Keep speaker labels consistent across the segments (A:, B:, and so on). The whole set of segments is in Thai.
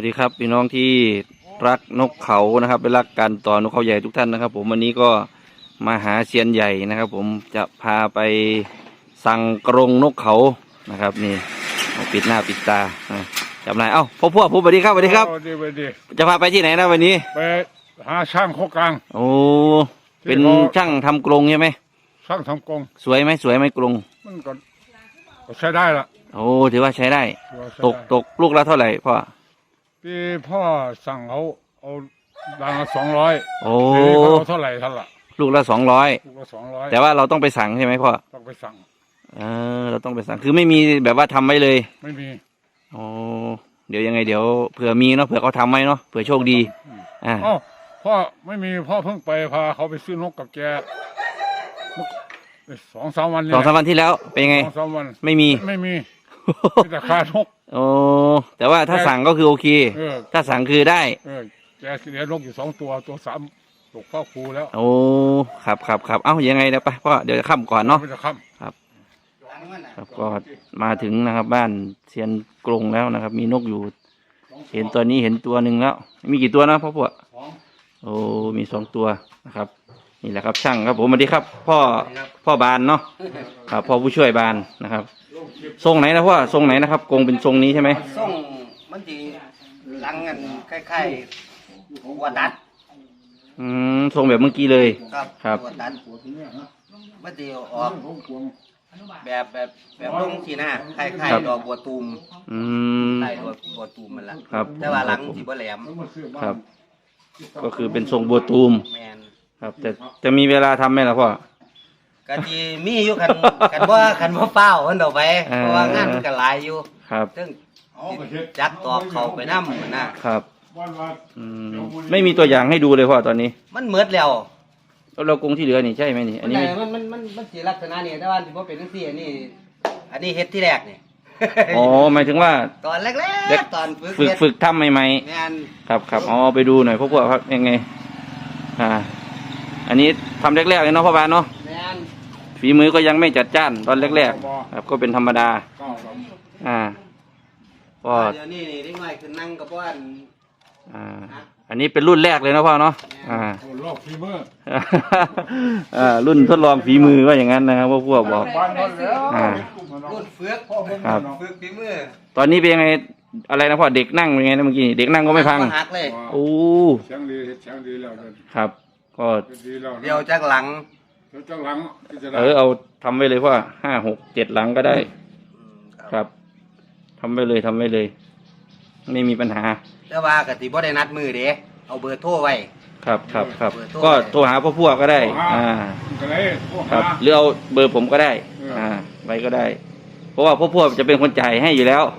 A: ดีครับพี่น้องที่รักนกเขานะครับเป็นรักการต่อนกเขาใหญ่ทุกท่านนะครับผมวันนี้ก็มาหาเซียนใหญ่นะครับผมจะพาไปสั่งกรงนกเขานะครับนี่ปิดหน้าปิดตาจำนายพ่อผมสวัสดีครับสวัสดีครับจะพาไปที่ไหนนะวันนี้
B: ไปหาช่างโคกลาง
A: โอ้เป็นช่างทำกรงใช่ไหม
B: ช่างทำกรง
A: สวยไหมกรง
B: มันก็ใช้ได้ละ
A: โอ้ถือว่าใช้ได้ตกลูกละเท่าไหร่พ่อ
B: พี่พ่อสั่งเอาดังละ200
A: โอ้
B: เขาเท่าไหร่ท่านละ
A: ลูกละ200แต่ว่าเราต้องไปสั่งใช่ไหมพ่อ
B: ต้องไปสั่ง
A: เราต้องไปสั่งคือไม่มีแบบว่าทำไว้เลย
B: ไม่มี
A: โอ้เดี๋ยวยังไงเดี๋ยวเผื่อมีเนาะเผื่อเขาทำไว้เนาะเผื่อโชคดี
B: พ่อไม่มีพ่อเพิ่งไปพาเขาไปซื้อนกกับแก2-3 วัน
A: 2-3 วันที่แล้วเป็นไง
B: 2-3 วัน
A: ไม่มี
B: แต่ค่านก
A: โอ้แต่ว่าถ้าสั่งก็คือโอเคถ้าสั่งคือได้
B: แกเลี้ยงนกอยู่2 ตัว3ตกเข้าคูแล้ว
A: โอ้ครับเอ้ายังไงเดี๋ยวไปพ่อเดี๋ยวจะค่ำก่อนเนาะครับก็มาถึงนะครับบ้านเซียนกรงแล้วนะครับมีนกอยู่เห็นตัวนี้เห็นตัวหนึ่งแล้วมีกี่ตัวนะพ่อพวกโอ้มี2 ตัวนะครับนี่แหละครับช่างครับผมสวัสดีครับพ่อบานเนาะครับพ่อผู้ช่วยบานนะครับทรงไหนนะพ่อทรงไหนนะครับกรงเป็นทรงนี้ใช่ไหม
C: ทรงมันจีหลังกันคล้ายๆวัดดัด
A: ทรงแบบเมื่อกี้เลย
C: ครับวัดดัดมันจีออกแบบลงทีหน้าคล้ายๆดอกบัวตูมคล้ายดอกบัวตูมมันละแต่ว่าหลังจีบ่แหลม
A: ครับก็คือเป็นทรงบัวตูมครับแต่จะมีเวลาทำไหมล่ะพ่อ
C: ก็จีมีอยู่คันว่าเป้ามันออกไปเพราะว่างานมันก็หลายอยู่
A: ครับ
C: ซึ่งจักตอกเขาไปน้ำมัน
A: นะครับไม่มีตัวอย่างให้ดูเลยพ่อตอนนี้
C: มันเหมือดแล้ว
A: เรากรงที่เหลือนี่ใช่ไหมนี่อันนี้
C: มันสีลักษณะนี่แต่ว่าที่ว่าเป็นทั้งสี่อันนี้เฮ็ดที่แรกนี่
A: อ๋อหมายถึงว่า
C: ตอนแรกตอน
A: ฝึกทำใหม่ๆครับอ๋อไปดูหน่อยพวกครับยังไงอันนี้ทำแรกๆเลยเนาะพ่อบานเนาะฝีมือก็ยังไม่จัดจ้านตอนแรกๆครับก็เป็นธรรมดา
C: ก็เดี๋ยวนี้นี่หน่อยคือนั่งกับว่าน
A: อันนี้เป็นรุ่นแรกเลยนะพ่อเนาะ
B: ทดลองฝีมือ
A: รุ่นทดลองฝีมือว่าอย่างนั้นนะครับพวกบอก
C: รุ่นเฟือก
A: ครับ
C: ฝีมือ
A: ตอนนี้เป็นยังไงอะไรนะพ่อเด็กนั่งเป็นไงนะเมื่อกี้เด็กนั่งก็ไม่พังโอ้
B: เสียงดีแล้ว
A: ครับก็
C: เดี๋ยวจากหลัง
A: เอาทำไว้เลยพ่อ5 6 7 หลังก็ได้ครับทำไว้เลยไม่มีปัญหา
C: แต่ว่ากติบ่ได้นัดมือเด้เอาเบอร์โทรไว้
A: ครับก็โทรหาพ่อพวกก็ได้ครับหรือเอาเบอร์ผมก็ได้ไว้ก็ได้เพราะว่าพ่อพวกจะเป็นคนจ่ายให้อยู่แล้ว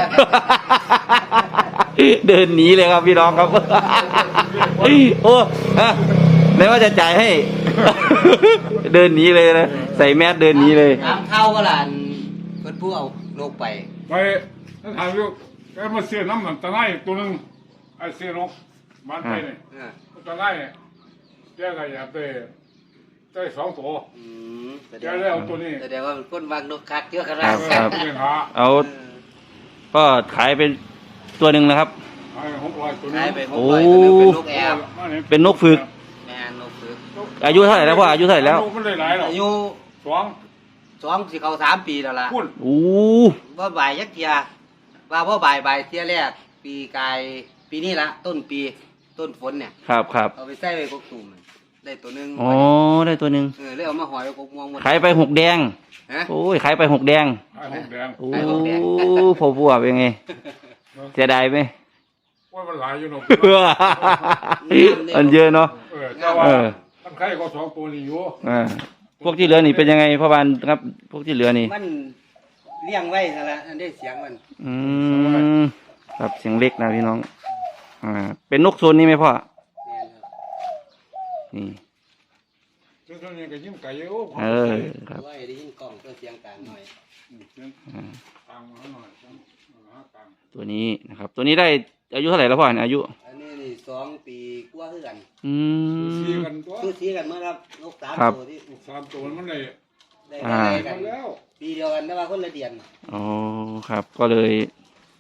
A: เดินหนีเลยครับพี่น้องครับโอ้แล้วว่าจะจ่ายให้เดินหนีเลยนะใส่แมสเดินหนีเลย
C: เข้าก็หลานเพิ่นผู้เอานกไป
B: นั่นถามอยู่แกมาเสียน้ำมันตะไลตัวนึงไอเสียนกบ้านไปเนี่ยตะไลแกก็อยากได้2 ตัวแกได้เอาตัวนี้
C: แสดงว่าคนวางนกคักเยอะขนาด
A: เอาก็ขายเป็นตัวหนึ่งนะครับ
B: ขาย600 ตัวนึง
C: โอ้
A: เป็นนกฝึกอายุเท่าไหร่แล้วพ่ออายุเท่าไหร่แล้ว
C: อายุ2 สิเข้า3 ปีแล้วล่ะ
A: โอ้
C: ว่าบ่ายยักเทียว่าพ่อบ่ายเทียแรกปีกายปีนี้ละต้นฝนเนี่ย
A: ครับ
C: เอาไปใส่ไว้กกตูมได้ตัวนึง
A: อ๋อได้ตัวนึง
C: เลยเอามาห่อยกกม่วงหมด
A: ขายไป6 แดงโอ้ยขายไป6 แดงโอ้พ่อพวกเป็นไงเสียดายไหม
B: ว่ามันหลายอยู่เนาะ
A: อันเยอะเนาะ
B: ตั้งไข่ก็2 ตัวนี่อยู่
A: พวกที่เหลือนี่เป็นยังไงพ่อบานครับพวกที่เหลือนี่
C: มันเลี้ยงไว้นั่นแหละอันได้เสียงมัน
A: ครับเสียงเล็กนะพี่น้องเป็นนกโซนนี้ไหมพ่อนี่
B: ตัวนี้ก็ยิ้มไก่เยอะ
A: ครับ
C: ได้ยินกล้องตัวเสียงกลางหน่อย
A: ตัวนี้นะครับตัวนี้ได้อายุเท่าไหร่แล้วพ่ออายุ
C: อันนี้2 ปีกว่าคือกัน
B: ซื้
C: อกันเมื่อครับนก3 ตัวที่
B: 3 ตัวมันเลย
C: กันแล้วปีเดียวกันแต่ว่าคนละเดือน
A: อ๋อครับก็เลย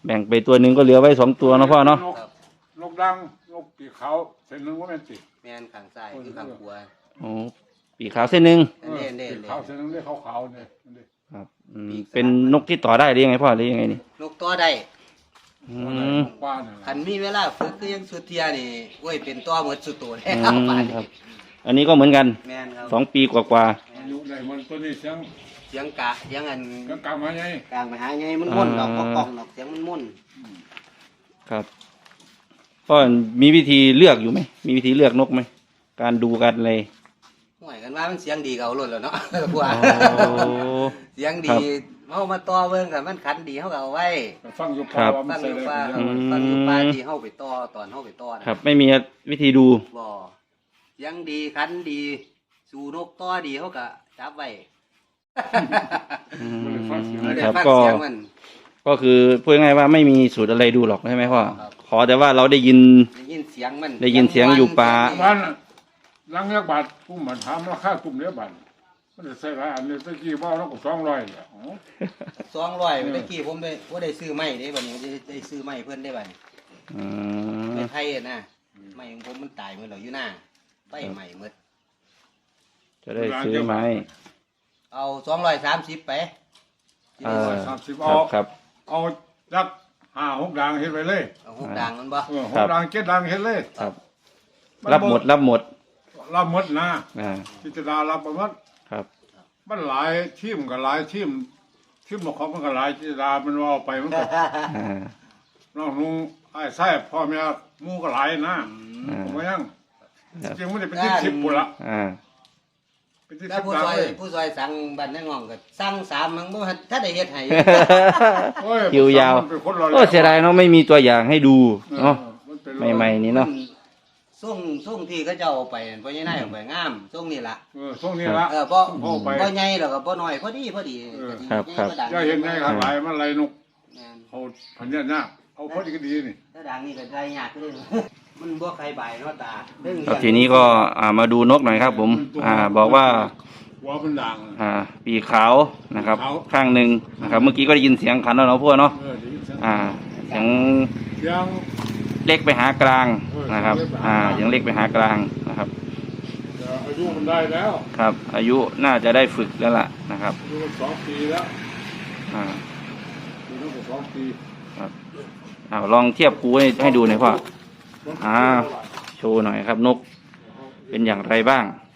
A: แบ่งไปตัวหนึ่งก็เหลือไว้2ตัวเนาะพ่อเนาะ
C: ครับ
B: นกดังนกปีกขาวเส้นหนึงว่าแม่นติ
C: แม่นข้างซ้ายคือข้างขวา
A: โอ้ปีกขาวเส้นหนึ่ง
C: อันนี้เด่
B: ปี
C: น
B: กขาวเส้นหนึงได้ขาวๆเนี่ยนั่นดิ
A: ครับเป็นนกที่ต่อได้หรือยังไงพ่อหรือยังไงนี่
C: นกตัวได้
A: อื
B: น
A: ม
B: กป้าเนี่ย
C: คันมีเวลาฝึกคือยังสุดเทียนี่โอ้ยเป็นตัวหมดสุดตัวแล้
A: อื
C: ว
A: ม
C: ป่าน
A: ครั
C: นี้
A: บ อันนี้ก็เหมือนกัน
C: แม่นครับ
A: 2 ปีกว่า
B: อายุได้มันตัวนี้เสียง
C: เสียงกะเสียงอัน
B: ก็กลับมาไง
C: กลางไปหาไงมันม่วนดอกบ่กล้องดอกเสียงมันม่วน
A: ๆครับพ่อมีวิธีเลือกอยู่ไหมมีวิธีเลือกนกไหมการดูการอะไร
C: ห่วยกันว่ามันเสียงดีก็เอาล้นแล้วเนาะ กว่า
A: โอ้
C: เสียง
A: ครั
C: ดี
A: บ
C: เฮามาต่อเบิ่งกันมันขันดีเฮาก็เอาไว้
B: ก็ฟังอยู่
A: ครั
B: ป่า
A: บ
B: ว่ามั
C: ฟั
B: น
C: ง
B: ใส่
C: อยู่
B: ได้
C: ป่า
B: เป็นยังไง
C: ฟังอยู่ป่าที่เฮาไปต่อตอนเฮาไปต่อนะครับ
A: ไม่มีวิธีดู
C: บ่เสียงดีขันดีสู่นกต่อดีเฮาก็จับไว้
A: อืม
C: ไม่ได้
A: ครับ
C: ฟัง
A: ก็
C: เสียงมัน
A: ก็คือพูดง่ายๆว่าไม่มีสูตรอะไรดูหรอกใช่ไหมพ่อ
C: ครับ
A: ขอแต่ว่าเราได้ยิน
C: ได้ยินเสียงมัน
A: ได้ยินเสียงอยู่ป่า
B: บ้านหลังเนี้ยบาทกุ้มมันถามราคากุ้มเนี้ยบาทมันจะใส่หลายอันนี้ตะกี้ว่าเราก็200เนี่ยอ๋อ
C: 200เมื่อกี้ผมได้บ่ได้ซื้อไม้เด้บัดนี้ได้ซื้อไม้เพิ่นได้บัดนี้
A: อืม
C: ไม้ไผ่อะนะไม้ของผมมันตายหมดแล้วอยู่หน้าไฟใหม่หมด
A: จะได้ซื้อไหม
C: เอา230ไป
A: เออ
B: 30
A: ค
B: เอา
A: รับครับ
B: เอาจัก5-6ดังเฮ็ดไว้เลย
C: เอาหกดังมันบ่
B: หกดัง7ดังเฮ็ดเลย
A: ครับ รับหมดรับหมด
B: รับหมดนะ
A: อ่า
B: พิจารณารับหมด
A: ครับ
B: มันหลายทีมก็หลายทีมบ่ของมันก็หลายพิจารณามันว่าเอาไปมันก็
A: อ่า
B: น้องนุ่งไอ้ไส้พ่อแม่หมู่ก็หลายนะ
A: อ่า
B: ผมก็ยัง
A: ครับ
B: จริงมันได้เป็นที่10ปุ่นละ
A: อ่า
B: เป็นที่
C: แล้ว
B: 10
C: ผู้
B: ดัง
C: ซอย
B: เลย
C: ผู้ซอยสั่งบ้านในง่องก็สั่ง3มันบ่ทันถ้าได้เฮ็ดให้
B: โอ้ย
A: คิวยาว
B: มันเป็นคนรอ
A: โอ้เสียดายเนาะไม่มีตัวอย่างให้ดูเนาะ
B: มันเป็น
A: ใหม่ๆนี่เนาะ
C: ส่งที่เขาเจ้าเอาไปนั่นพ่อใหญ่นายเอาไปงามส่งนี่ล่ะ
B: ช่วงนี้ละ
C: บ่
B: พ่อไป
C: บ่ใหญ่แล้วก็บ่น้อยพอดีก็สิ
A: ครับ
C: ใหญ่
A: ครับ
C: บ่ดัง
B: อย่าเห็นไงครับหลายมันไหลนก
C: แม่น
B: เอาพันเนี่ยยากเอาพอดีก็ดีนี่
C: ถ้าดังนี่ก็ได้ยากเลย มันบ่ใครใบเนาะตาเรื่อง
A: ครับทีนี้ก็มาดูนกหน่อยครับ ผม บอกว่า
B: หัวมันด่าง
A: ปีกขาวนะครับ
B: ขาว
A: ข้างหนึ่งนะครับ เมื่อกี้ก็ได้ยินเสียงขันแล้วเนาะพวกเนาะ
B: ได้ยินเสียง
A: เสียง
B: เสียง
A: เล็กไปหากลางนะครับ
B: เออ
A: เสียงเล็กไปหากลางนะครับ
B: อายุมันได้แล้ว
A: ครับ อายุน่าจะได้ฝึกแล้วล่ะนะครับ
B: อายุมัน2 ปีแล้ว
A: อ่า
B: อายุมัน2 ปี
A: ครับลองเทียบคูให้ดูหน่อยพ่อ โชว์หน่อยครับ นกเป็นอย่างไรบ้าง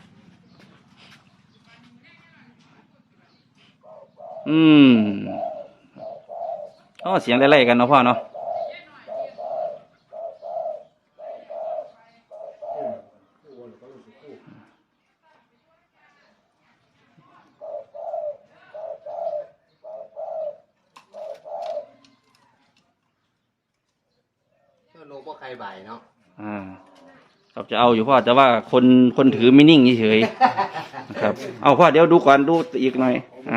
A: เสียงไล่ๆกันเนาะพ่อเนาะ
C: โลบ่ใครใบเนาะ
A: ครับจะเอาอยู่พ่อแต่ว่าคนถือไม่นิ่งเฉยๆนะครับ เอาพ่อเดี๋ยวดูก่อนดูอีกหน่อย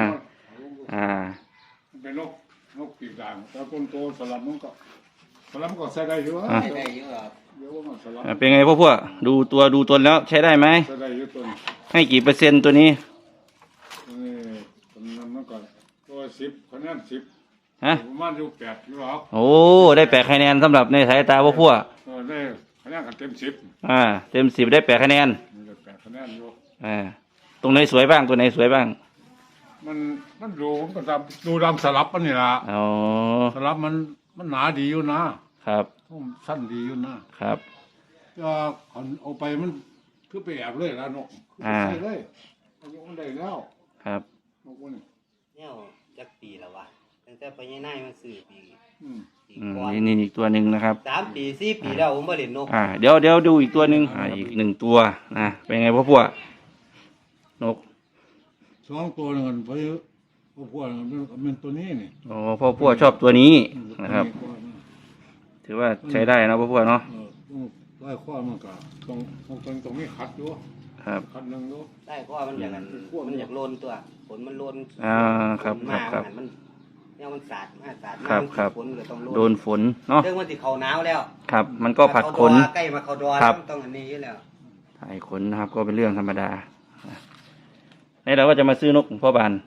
B: เป็นนกปีกด่างแต่ต้นโตสลับมันก็ใส่ได้อยู่วะ
C: ได้เยอะครับ
B: เดี๋ยวว่ามันสลับ
A: เป็นไงพวกดูตัวดูตนแล้วใช้ได้ไหม
B: ใส่ได้อยู่ต้น
A: ให้กี่เปอร์เซ็นต์ตัวนี้
B: นี่ต้นนั้นมันก็ตัว10คะแนน10
A: ฮะ
B: ประมาณอยู่8อยู่หรอก
A: โอ้ได้8 คะแนนสำหรับในสายตาพวก
B: ได้คะแนนกันเต็ม10
A: เต็ม10ได้8 คะแนน
B: มันจะ8คะแนนอยู่
A: ตรงไหนสวยบ้างตัวไหนสวยบ้าง
B: มันดูดำสลับมันนี่ล่ะ
A: อ๋อ
B: สลับมันหนาดีอยู่นะครับ สั้นดีอยู่นะครับ ก็เอาไปมันคือไปแอบเลยละนกใส่เลยอายุมันได้แล้ว
A: ครับ
B: นกมัน
C: เนี่ยจักปีแล้ววะตั้งแต่พ่อใหญ่นายมันซื้อปี
B: อืม
C: ก่อน
A: นี่อีกตัวหนึ่งนะครับ
C: 3 ปี4 ปีแล้วผมบ่เล่นนก
A: เดี๋ยวดูอีกตัวหนึ่งอีก1 ตัวนะเป็นไงพวกนก
B: 2 ตัวนึงไปพวกมันตัวนี้นี่
A: อ๋อพวกชอบตัวนี้นะครับ ถือว่าใช้ได้นะพวกเนาะ
B: ไล่ข้อมันก็ตรงนี้ขัดอยู่
A: ครับ
B: ขัดหนึงอยู่
C: ได้เพราะว่ามันอยากกันมันอยากโลนตัวฝนมันโลน
A: ครับ
C: มา
A: ครับ
C: มันเนี่ยมันสาดมาสาดมา
A: ครับ
C: ฝนก็ต้องโลน
A: โดนฝนเนาะ
C: เรื่องมันสิเข้าหนาวแล้ว
A: ครับ มันก็ผัดขน
C: ใกล้มาเข้าดอ
A: ครับ
C: มันต้องอันนี้อยู่แล้ว
A: ถ่ายขนนะครับ ก็เป็นเรื่องธรรมดานี่เราก็จะมาซื้อนกของพ่อบาน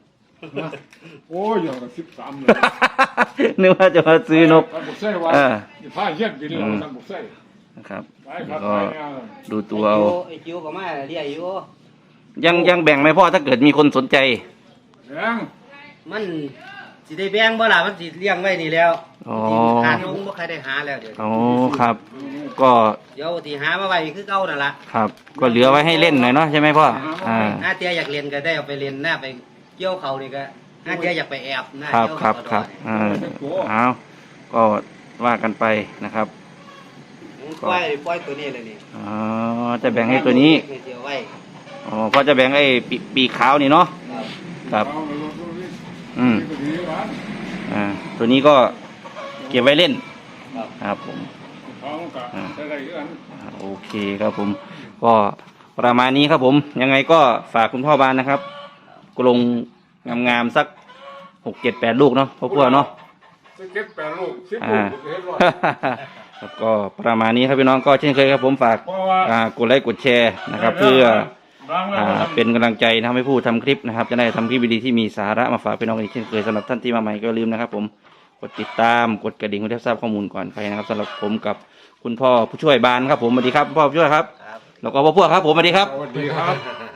B: โอ้ยอย่างกับ13เลย
A: นึกว่าจะมาซื้อนก
B: ท่านบุกไส้ว่า
A: เออ
B: ผ้าเย็ดบินแล้วท่านบุกไส้
A: นะครับ
B: ไปครับ
A: ก็
B: ไปเนี่ย
A: ดูตัวเอา
C: ไอ้คิวก็มาเรียกอยู่
A: ยังแบ่งไหมพ่อถ้าเกิดมีคนสนใจ
B: แรง
C: มันสิได้แบ่งบ่ล่ะมันสิเลี้ยงไว้นี่แล้ว
A: อ๋อ
C: ทานลงบ่ใครได้หาแล้วเดี๋ยว
A: อ๋อครับ ก็
C: เดี๋ยวที่หามาไว้คือเก่านั่นล่ะ
A: ครับ ก็เหลือไว้ให้เล่นหน่อยเนาะใช่ไหมพ่ออ่า
C: ถ้าเตี้ยอยากเรียนก็ได้เอาไปเรียนหน้าไปเกี่ยวเขานี่ก็ถ้าเตี้ยอยากไปแอบนะครับ เกี่ยว
A: ครั
C: เขา
A: บครับเอาก็ว่ากันไปนะครับ
C: ปล่อยตัวนี้เลยนี่
A: อ๋อจะแบ่งให้ตัวนี้
C: เดี๋ยวไว้
A: อ๋อพ่อจะแบ่งไอ้ปีกขาวนี่เนาะ
C: ครับ
A: ครับ
B: เอาเลยดูดิ
A: อืม
B: นี่ก็ดีร้าน
A: ตัวนี้ก็เก็บไว้เล่น
C: ครับ
A: ครับผม
B: ท้องกับอะไรกัน
A: โอเคครับผม ก็ประมาณนี้ครับผม ยังไงก็ฝากคุณพ่อบานนะครับกรงงามๆสัก6-7-8 ลูกเนาะพ่อพวกเนาะ
B: 17-8 ลูก10
A: อ่า
B: ลูกเห็นว่า
A: ครับก็ประมาณนี้ครับพี่น้องก็เช่นเคยครับผมฝาก
B: เพราะว่า
A: กดไลค์กดแชร์นะครับ เพื่อ
B: ล้างแล้ว
A: เป็นกำลังใจทำให้ผู้ทำคลิปนะครับ จะได้ทำคลิปดีๆที่มีสาระมาฝากพี่น้องอีกเช่นเคยสำหรับท่านที่มาใหม่ก็อย่าลืมนะครับ ผมกดติดตามกดกระดิ่งเพื่อได้ทราบข้อมูลก่อนใครนะครับสำหรับผมกับคุณพ่อผู้ช่วยบานครับผมสวัสดีครับพ่อผู้ช่วยครับ
C: ครับ
A: แล้วก็พ่อพวกครับผมสวัสดีครับ
B: สวัสดีครับ